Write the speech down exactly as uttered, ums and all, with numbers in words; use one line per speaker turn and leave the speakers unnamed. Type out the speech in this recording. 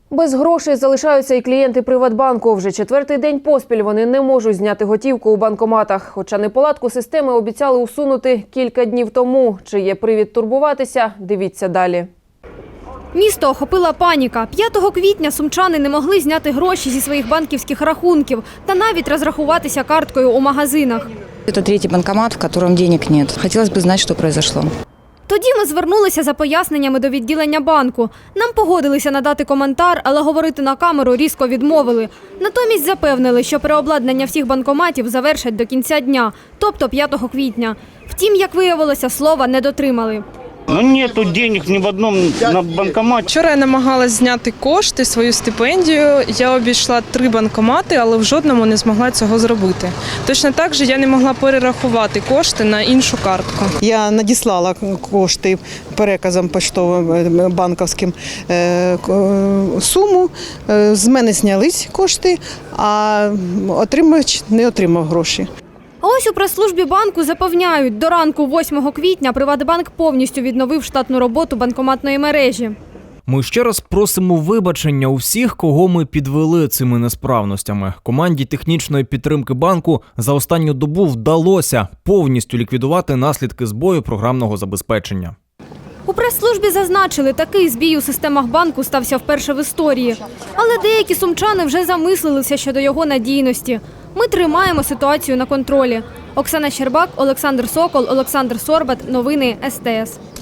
Без грошей залишаються і клієнти Приватбанку. Вже четвертий день поспіль вони не можуть зняти готівку у банкоматах. Хоча неполадку системи обіцяли усунути кілька днів тому. Чи є привід турбуватися? Дивіться далі.
Місто охопила паніка. п'ятого квітня сумчани не могли зняти гроші зі своїх банківських рахунків та навіть розрахуватися карткою у магазинах.
Це третій банкомат, в якому денег нет. Хотілося б знати, що произошло.
Тоді ми звернулися за поясненнями до відділення банку. Нам погодилися надати коментар, але говорити на камеру різко відмовили. Натомість запевнили, що переобладнання всіх банкоматів завершать до кінця дня, тобто п'ятого квітня. Втім, як виявилося, слова не дотримали.
Ну, нету денег ні в одному на банкоматі.
Вчора я намагалась зняти кошти, свою стипендію. Я обійшла три банкомати, але в жодному не змогла цього зробити. Точно так же я не могла перерахувати кошти на іншу картку.
Я надіслала кошти переказом поштовим банківським суму, з мене знялись кошти, а отримувач не отримав гроші.
А ось у прес-службі банку запевняють, до ранку восьмого квітня Приватбанк повністю відновив штатну роботу банкоматної мережі.
Ми ще раз просимо вибачення у всіх, кого ми підвели цими несправностями. Команді технічної підтримки банку за останню добу вдалося повністю ліквідувати наслідки збою програмного забезпечення.
У прес-службі зазначили, такий збій у системах банку стався вперше в історії. Але деякі сумчани вже замислилися щодо його надійності. Ми тримаємо ситуацію на контролі. Оксана Щербак, Олександр Сокол, Олександр Сорбат. Новини ес те ес.